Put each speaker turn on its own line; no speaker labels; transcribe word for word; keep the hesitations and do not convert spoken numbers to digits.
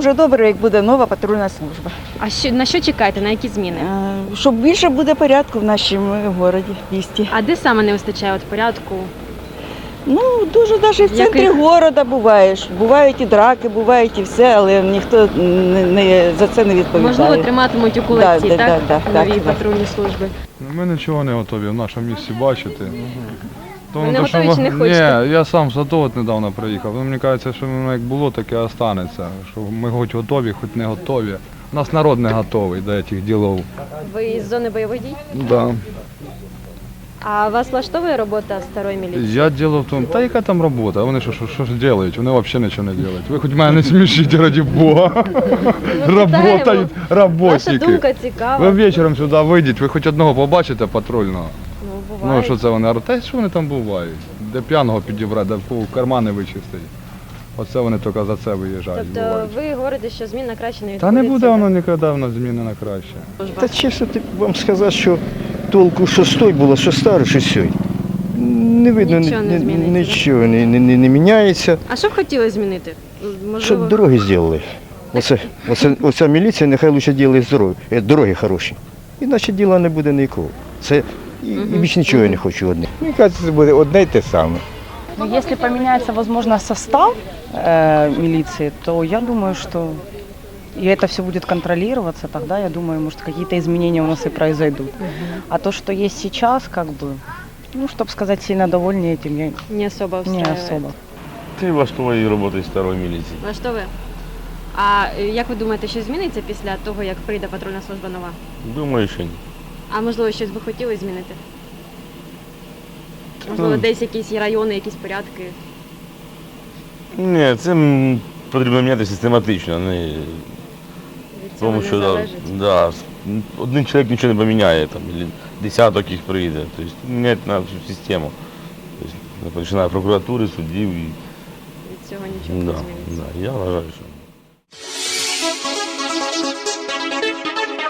дуже добре, як буде нова патрульна служба.
А що, на що чекаєте, на які зміни?
Е, Щоб більше буде порядку в нашому городі, місті.
А де саме не вистачає от порядку?
Ну, дуже навіть в центрі
Яких?
міста буваєш. Бувають і драки, бувають і все, але ніхто не, не, за це не відповідає.
Можливо, триматимуть у кулаці,
Да, да,
так?
да, да,
Нові
так,
патрульні служби.
Ми нічого не готові в нашому місті бачити.
Ви не
то, що
готові чи не хочете?
Ні, я сам з АТО от недавно приїхав. Ну, мені кажеться, що воно як було, так і останеться. Що ми хоч готові, хоч не готові. У нас народ не готовий до цих ділов.
Ви із зони бойових дій?
Да.
А вас влаштовує робота старої міліції?
Я діло в тому, та яка там робота? Вони що, що, що ж роблять? Вони взагалі нічого не роблять. Ви хоч мене не смішіть, раді Бога. Работають
Ваша
роботники.
думка
Ви
цікава.
вечором сюди вийдіть, ви хоч одного побачите патрульного.
Ну,
Ну,
буває.
що це вони? Та що вони там бувають? Де п'яного підібрати, де в кармани вичистить. Оце вони тільки за це виїжджають.
Тобто
бувають.
ви говорите, що змін на краще не
Та
відбудеться?
не буде
так?
воно ніколи в нас зміни на краще.
Та чесно так вам сказати, що толку, що з той було, що старий, що сьогодні. Не видно,
Нічого не
ні-
зміниться,
нічого не, не, не, не міняється.
А що б хотіли змінити? Можливо,
Щоб дороги зробили. Оце, оце, оця міліція нехай лише робить дороги, е, дороги хороші. Іначе діла не буде нікого. Це і, і більш нічого я не хочу одне.
Мені кажется, це буде одне й те саме.
Ну, если поменяется, возможно, состав э, милиции, то я думаю, что и это все будет контролироваться, тогда, я думаю, может, какие-то изменения у нас и произойдут. А то, что есть сейчас, как бы, ну, чтобы сказать, сильно довольны этим, я
не особо
не
устраивает?
особо.
Ти влаштовує роботи старої міліції.
Влаштовує? А е, як ви думаєте, що зміниться після того, як прийде патрульна служба нова?
Думаю, що ні.
А можливо, щось би хотіли змінити? Можливо, десь якісь є райони, якісь порядки?
Ні, це м, потрібно міняти систематично, а не
Від цього
тому,
не
що да,
залежить?
да, с- один чоловік нічого не поміняє, там, або десяток їх прийде. Тобто міняти на всю систему. Тобто, починає прокуратури, суддів і
Від цього нічого
да,
не зміниться.
да, я вважаю, що.